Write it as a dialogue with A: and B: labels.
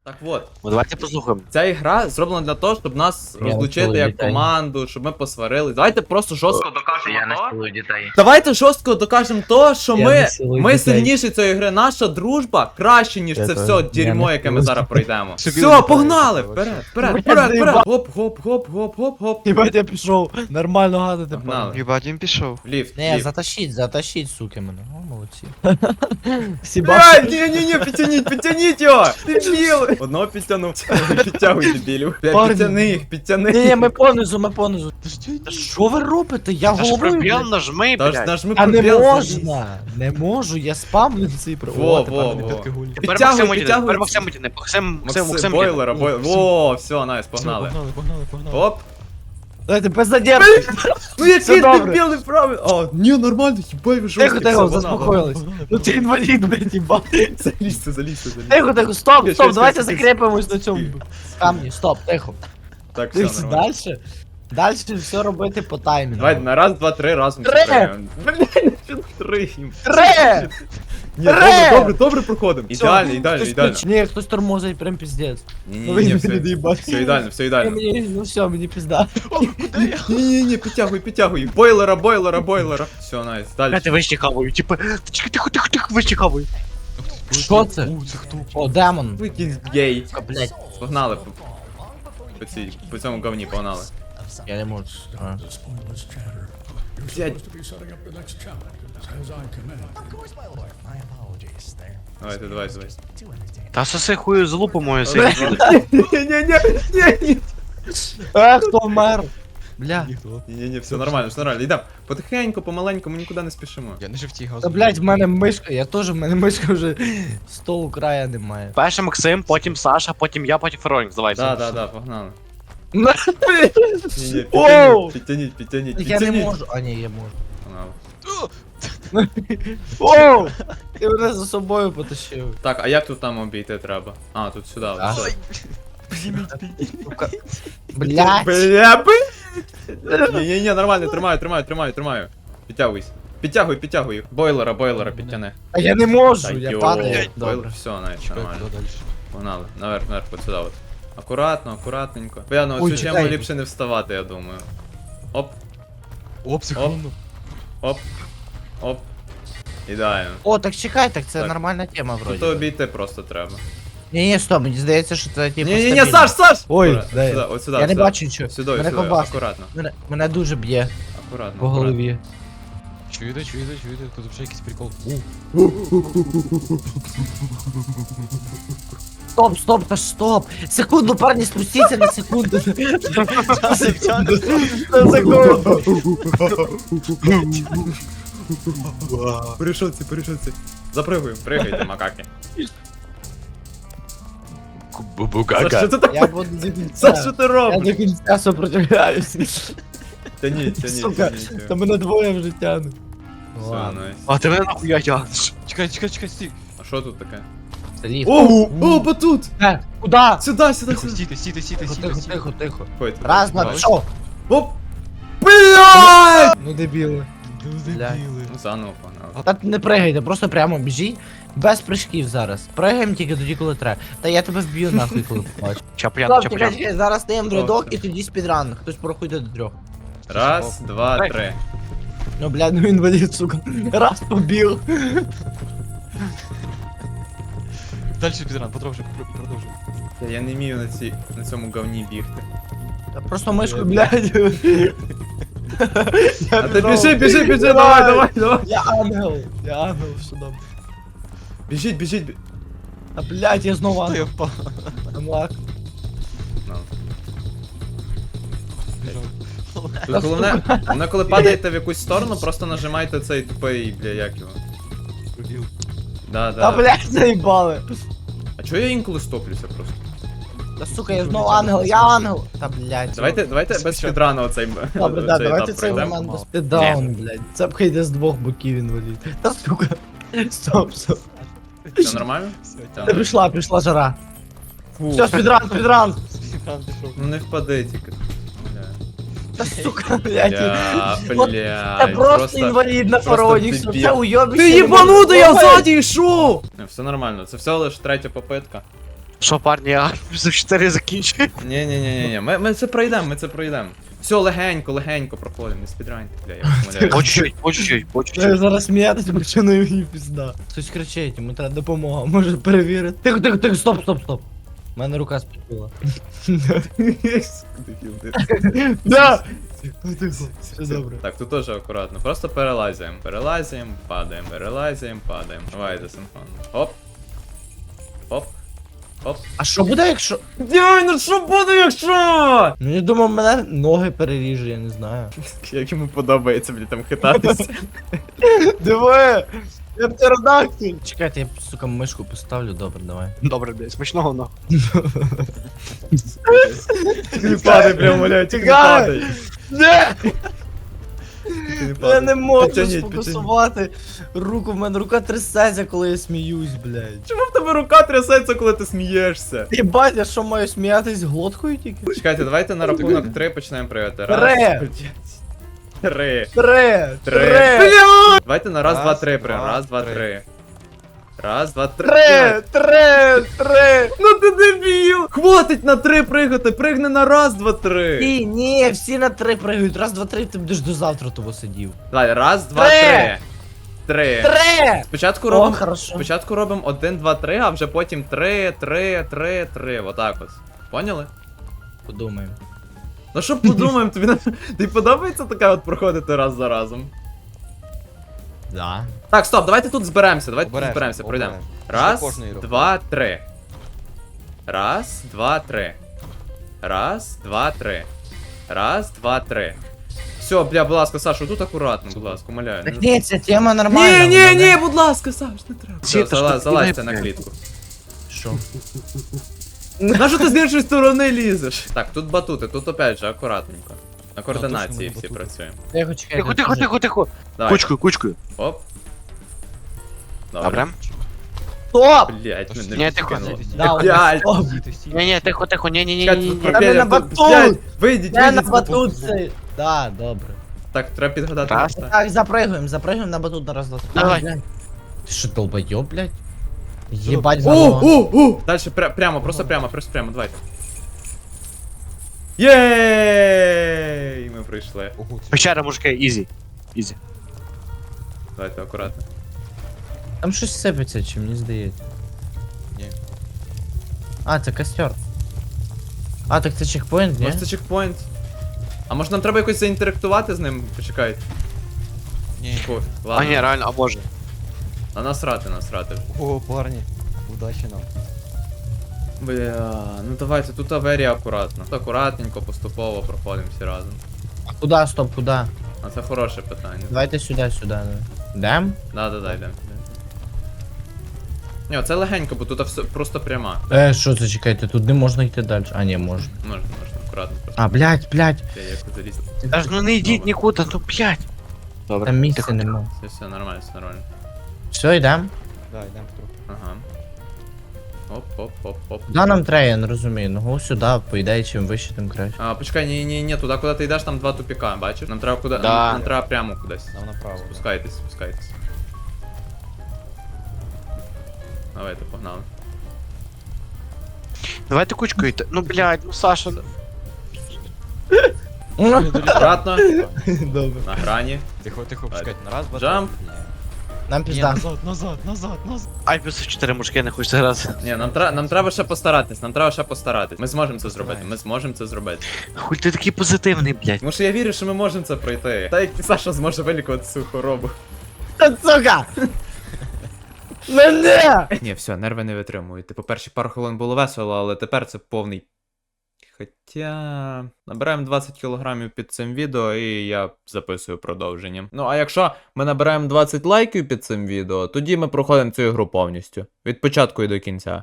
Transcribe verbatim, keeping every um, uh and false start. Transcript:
A: Так от,
B: Ну давайте послухаємо.
A: ця ігра зроблена для того, щоб нас
C: Я
A: розлучити
C: вчила
A: як
C: дітей.
A: команду, щоб ми посварились. Давайте просто жорстко докажемо
C: Я
A: то.
C: насилую дітей.
A: Давайте жорстко докажемо то, що
C: Я
A: ми,
C: насилую
A: ми
C: дітей.
A: сильніші цієї гри. Наша дружба краще, ніж
C: Я
A: це
C: теж.
A: все
C: Я
A: дерьмо, яке ми
C: насилую
A: зараз
C: дітей.
A: пройдемо.
D: Собі
A: Все,
D: літаю,
A: погнали!
D: це
A: Вперед,
D: вообще.
A: вперед,
C: Я
A: вперед, вперед!
C: заїбав.
A: Гоп, гоп, гоп, гоп, гоп, гоп.
E: Єбать, я пішов. Нормально гадати.
A: Погнали.
D: Єбать, він пішов.
A: В ліфт, в
C: Не,
A: ліфт.
C: затащить, затащить, суки мене. О, молодці.
E: Сіба.
A: Блядь, ні-ні-ні, підтяніть, підтяніть його! Дебіли! Одного підтягнув. Підтягуй, дебілів. Блядь,
E: Парні.
A: підтяни їх, підтяни.
C: Ні, ні, ми понизу, ми понизу. Та що ви робите? Я
B: Та ж
C: головою.
B: пробіл
C: блядь.
B: нажми,
A: Та ж
B: блядь.
A: нажми
C: А не
A: пробіл,
C: можна, не можу, я спамлю цей про.
A: Во,
C: О,
A: во,
C: тепер мене
A: во.
C: підкагулі.
B: Тепер
A: Підтягуй,
B: Максим Мутіни,
A: підтягуй.
B: тепер Максим Мутіни, Максим, Максим,
A: Максим,
B: Максим
A: бойлера, бойлера. Во, все, найс, погнали.
E: Погнали, погнали, погнали.
A: Оп.
E: Дайте без задержки.
A: Ну який
E: Все добре.
A: дебілий правий. О, ні, нормально, хіба ви жорсткі.
E: Тихо, тихо,
A: все, погнали.
E: заспокоїлись. Ну ти інвалід, блядь, їбать.
A: Залізьте, залізьте, залізьте.
E: Тихо, тихо, стоп,
A: Ще,
E: стоп,
A: ще,
E: давайте
A: ще, ще.
E: закріпимось на цьому.
C: Камні, стоп, тихо.
A: Так, все
E: Дивіться,
A: нормально.
E: дальше. Дальше все робити по таймінгу.
A: Давай на раз, два, три разом.
E: Три!
A: закриємо. Блядь, що три?
E: Три!
A: Ні,
E: Три!
A: добре, добре, добре проходимо. Ідеально, ідеально,
E: Хтось
A: ідеально.
E: ключ- Ні, хтось тормозить, прям піздець.
A: Ні,
E: Ну,
A: ні, ні,
E: ви
A: все,
E: не доїбать.
A: все ідеально, все ідеально.
E: Мені, ну все, мені пізда.
A: Ні, ні, ні, підтягуй, підтягуй. Бойлера, бойлера, бойлера. Все, найс, далі.
B: Блядь, вище хаваю, типу, тихо, тихо, тихо, тихо, вище хаваю.
C: Що це?
D: У, це хто?
C: О, демон.
A: Викинь гей.
C: Сука, блядь,
A: Погнали. По, по, цій, по цьому говні погнали.
C: я не можу. А.
A: Блядь. Давайте, давай, давай.
B: Та соси хую залупу мою
A: Ні,
B: сей.
A: ні, ні, ні, ні.
E: А, хто вмер? Бля.
D: Ніхто.
A: Ні, ні, ні, все нормально, все нормально. Йдемо. Потихеньку, помаленьку, ми нікуди не спішимо.
D: Я не жовтій газу.
E: Та блядь, в мене мишка, я теж, в мене мишка вже столу края немає.
B: Перше Максим, потім Саша, потім я, потім Феронікс, давайте.
A: Да, да, да, погнали.
E: Ну,
A: Ні, ні,
E: Оу!
A: підтягніть, підтягніть, підтягніть,
C: Я не
A: підтягніть.
C: можу. А, ні, я можу.
A: Погнали.
E: Оу! Ти мене за собою потащив.
A: Так, а як тут там обійти треба? А, тут сюди.
C: А.
A: все.
C: Сука. Блядь.
A: Бля, блядь. Ні, ні, ні, нормально, тримаю, тримаю, тримаю, тримаю. Підтягуйся. Підтягуй, підтягуй їх. Бойлера, бойлера, підтяни.
E: А я не можу,
A: Та
E: я
A: йо,
E: падаю.
A: бойлер,
E: Добре.
A: все, навіть
D: Чекай,
A: нормально.
D: куди далі?
A: Погнали, наверх, наверх, от сюди от. Акуратно, акуратненько. Бля, ну
E: Ой,
A: цю тему
E: чекай.
A: ліпше не вставати, я думаю. Оп,
D: Оп, секунду.
A: оп, оп. Ідеально.
C: О, так чекай, так це
A: Так.
C: нормальна тема
A: Тут
C: вроді.
A: обійти просто треба.
C: Ні, ні, стоп, мені здається, що це типу.
A: Ні, ні, ні,
C: стабільно.
A: Саш, Саш!
E: Ой,
A: Акуратно,
E: дай.
A: сюди, от сюди,
C: Я не
A: сюди.
C: бачу нічого.
A: Сюди,
C: Мене
A: сюди,
C: ковбасить.
A: акуратно.
C: Мене, мене дуже б'є
A: Акуратно.
C: по
A: акуратно.
C: голові.
D: Чуєте, чуєте, чуєте, тут вже якийсь прикол.
C: Стоп, стоп, та ж стоп! Секунду, парні, спустіться на секунду.
E: На секунду.
A: Перейшовці, перейшовці. Запригуємо, пригайте, макаки. Саш, що ти
C: Я
A: так?
C: буду до
A: Саш, що
C: кінця.
A: ти
E: Я
A: робиш?
E: до кінця сопротивляюсь.
A: Тяніть, тяніть,
E: Сука,
A: тяніть.
E: та мене двоє вже тягнуть.
A: Все,
C: Ладно.
A: найс.
B: А ти мене нахуя тягнеш?
D: Чекай, чекай, чекай, стій.
A: А що тут таке?
C: Це ліфт.
A: О, о, батут!
C: Е, Куда?
A: Сюди, сюди,
D: Тихо,
A: сюди.
D: стійте, стійте, стійте,
C: Тихо,
D: стійте,
C: тихо,
D: стійте.
C: тихо, тихо.
A: Ходьте.
C: Раз, два,
D: Давай.
C: що?
A: Оп! Блядь!
E: Ну дебіли.
C: Блядь.
A: Ну, заново погнали.
C: Та не пригайте, просто прямо біжіть. Без прыжків зараз. Пригаємо тільки тоді, коли треба. Та я тебе вб'ю нахуй, коли побачу.
B: Чаплян,
C: Стоп, чекай,
B: чаплян.
C: чекай, зараз даємо рядок
A: все.
C: і тоді спідран. Хтось порахуйте до трьох.
A: Раз, два,
B: Давай.
A: три.
E: Ну, блядь, ну інвалід, сука. Раз побіг.
D: Далі підран, продовжуй, пр- продовжуй.
A: Я не вмію на, цій, на цьому говні бігти.
C: Та просто мишку,
E: Блядь.
A: А ти біжи, біжи, біжи, давай, давай, давай.
E: Я ангел. Я ангел, що там.
A: Біжіть, біжіть. бі-
E: А блядь, я знову
D: Та я
E: ангел.
D: впав.
E: Амлак.
A: Ну.
D: Біжав.
A: Тут головне, головне, коли падаєте в якусь сторону, просто нажимайте цей тупий, бля, як його.
D: Пробіл.
A: Да,
E: Та
A: да.
E: блядь, заїбали.
A: А чого я інколи стоплюся просто?
C: Та сука, я знову ангел, я ангел. Та блядь.
A: Давайте, давайте без фідрану оцей
E: Добре, да,
A: цей
E: давайте
A: етап
E: цей
A: пройдемо.
E: момент без даун, блядь. Цепка йде з двох боків інвалід. Та сука. Стоп, стоп.
A: Все нормально?
D: Все,
A: Та,
E: Та пішла, пішла жара.
A: Фу.
E: Все, спідран, спідран.
D: підран пішов.
A: Ну не впади тільки. Бля.
E: Та сука, блядь.
A: Бля,
E: От
A: бля.
E: Це просто інвалід на
A: просто
E: фароніксу,
A: дебіл.
E: це уйобище.
A: Ти їбанутий, я ззаді йшов! Не, все нормально, це всього лиш третя попитка.
B: Що, парні, я за чотири закінчую.
A: Ні, ні, ні, ні, ні. Ми, ми це пройдемо, ми це пройдемо. Все, легенько, легенько проходимо, не спідраньте, бля, я вас умоляю.
B: По чуть-чуть, по чуть-чуть, по
E: Я
B: чуть-чуть.
E: зараз сміятися почну і мені пізда. Хтось кричить, йому треба допомога, може перевірити. Тихо, тихо, тихо, стоп, стоп, стоп. У мене рука спітила. Да! Тихо, тихо, все добре.
A: Так, тут теж акуратно. Просто перелазимо. Перелазимо, падаємо, перелазимо, падаємо. Давайте синхронно. Оп. Оп. Оп.
E: А що буде, якщо.
A: Дяй, ну що буде, якщо?
E: Ну я думав, мене ноги переріже, я не знаю.
A: Як йому подобається, блін, там хитатися.
E: Диви! Я птеродактиль! Чекайте, я, сука, мишку поставлю, добре, давай.
B: Добре, блядь, смачного нахуй.
A: Не падай, прям умоляю, тільки не
E: Тікай!
A: падай.
E: Не!
A: Тільки не
E: Я
A: падай.
E: не можу
A: Підтягніть,
E: сфокусувати руку, в мене рука трясеться, коли я сміюсь, блядь.
A: Чому в тебе рука трясеться, коли ти смієшся?
E: Єбать, я що маю сміятись глоткою тільки?
A: Чекайте, давайте на рахунок три почнемо прийти. Раз,
E: Три.
A: блядь, три,
E: Три!
A: три. Бля! Давайте на раз,
D: Раз,
A: два, три прям.
D: два,
A: Раз, два,
D: три.
A: три. Раз, два, три.
E: Три! Три! Три!
A: Ну ти дебіл! Хватить на три пригати, пригни на раз, два, три.
E: Ні, ні, всі на три пригають. Раз, два, три, ти будеш до завтра того сидів.
A: Давай, раз, два,
E: Три.
A: три. Три.
E: Три!
A: Спочатку
E: О,
A: робимо.
E: хорошо.
A: Спочатку робимо один, два, три, а вже потім три, три, три, три. Отак ось. Поняли?
E: Подумаємо.
A: Ну що подумаємо, тобі на- тобі подобається таке от проходити раз за разом?
E: Да.
A: Так, стоп, давайте тут зберемося, давайте тут
D: Обережно,
A: зберемося, пройдемо.
D: обережно.
A: Раз,
D: Після кожної руки.
A: два, три. Раз, два, три. Раз, два, три. Раз, два, три. Все, бля, будь ласка, Саша, тут акуратно, будь ласка, умоляю.
E: Так ні, ця тема нормальна.
A: Ні, ні,
E: вона
A: ні,
E: не-
A: будь ласка, Саш, не треба.
B: Ці,
A: Все,
B: та
A: залазь,
B: що ти
A: залазьте
B: кидаєш,
A: на
B: блядь?
A: клітку.
E: Що?
A: На що ти з іншої сторони лізеш? Так, тут батути, тут опять же акуратненько. На координації
D: точно
A: всі
D: батути.
A: працюємо.
E: Тихо, чекай.
B: Тихо, тихо, тихо, тихо.
A: Давай.
B: Кучкою, кучкою.
A: Оп.
B: Добре.
E: Стоп!
A: Блять,
D: Та
A: мене
B: Ні, тихо.
A: відкинуло.
E: Да,
A: Блядь.
E: стоп!
D: Стій, ти стій.
B: Ні, ні, тихо, тихо, ні, ні, ні,
A: Чекайте,
B: ні,
A: тут
B: ні.
E: Та ми на
A: пропелер, тут-
E: батут!
A: блядь, Вийдіть,
E: Я на
A: вийдіть.
E: батут цей. Да, добре.
A: Так, треба підгадати.
B: Раз.
A: місце.
E: Так, запрыгуємо, запрыгуємо на батут на раз, два, три.
B: Давай.
E: Блядь. Ти що, долбойоб, блядь? Єбать,
A: О,
E: говно.
A: о, о! Дальше пря- прямо, просто прямо, просто прямо, давайте. Єй! Ми прийшли.
D: Ого, це-
B: Печера, мужики, ізі. Ізі.
A: Давайте акуратно.
E: Там щось сипеться, чи мені здається.
D: Ні.
E: А, це костер. А, так це чекпоінт, ні?
A: Може це чекпоінт? А може нам треба якось заінтерактувати з ним? Почекайте.
D: Ні.
A: Фу,
B: А
A: ладно.
B: ні, реально, а боже.
A: А насрати, насрати.
D: О, парні. Удачі нам.
A: Бля, ну давайте, тут аварія акуратно. Тут акуратненько, поступово проходимо всі разом.
E: А куда, стоп, куда?
A: А це хороше питання.
E: Давайте сюди, сюди. да. Дем?
A: Да, да, да, йдемо. Ні, це легенько, бо тут все просто пряма.
E: Е, що це, чекайте, тут не можна йти далі. А, ні, можна.
A: Можна, можна, акуратно просто.
E: А, блядь, блядь.
A: Я як залізти.
B: Та ж ну не йдіть нікуди, ну п'ять. Добре.
E: Там місця
B: тихо.
E: нема.
A: Все, все, нормально, все нормально.
E: Все, йдем.
D: Да, йдемо трохи.
A: Ага. Оп, оп, оп, оп.
E: Куда нам треба, я не розумію. Ну го сюди, по ідеї, чим вище, тим краще.
A: А, почекай, ні, ні, ні, туди, куди ти йдеш, там два тупіка, бачиш? Нам треба куди.
B: Да.
A: Нам, нам треба прямо кудись.
D: Нам направо.
A: Спускайтесь, спускайтесь. Давайте, погнали.
B: Давайте кучкою йти. Ну, блядь, ну Саша.
A: Акуратно,
E: Добре.
A: на грані.
D: Тихо, тихо,
A: Давай.
D: пускайте. На раз, два,
A: Джамп.
D: три. Ні.
E: Нам
D: Ні,
E: пізда.
D: назад, назад, назад, назад.
B: Ай, плюс чотири мужики не хочеться грати.
A: Ні, нам, тра- нам треба ще постаратись, нам треба ще постаратись. Ми зможемо це зробити, ми зможемо це зробити.
B: Хуй ти такий позитивний, блядь.
A: Тому що я вірю, що ми можемо це пройти. Та як Саша зможе вилікувати цю хворобу.
E: Та сука! Мене!
A: Ні, все, нерви не витримують. Типу, перші пару хвилин було весело, але тепер це повний. Хоча набираємо двадцять кілограмів під цим відео, і я записую продовження. Ну а якщо ми набираємо двадцять лайків під цим відео, тоді ми проходимо цю ігру повністю. Від початку і до кінця.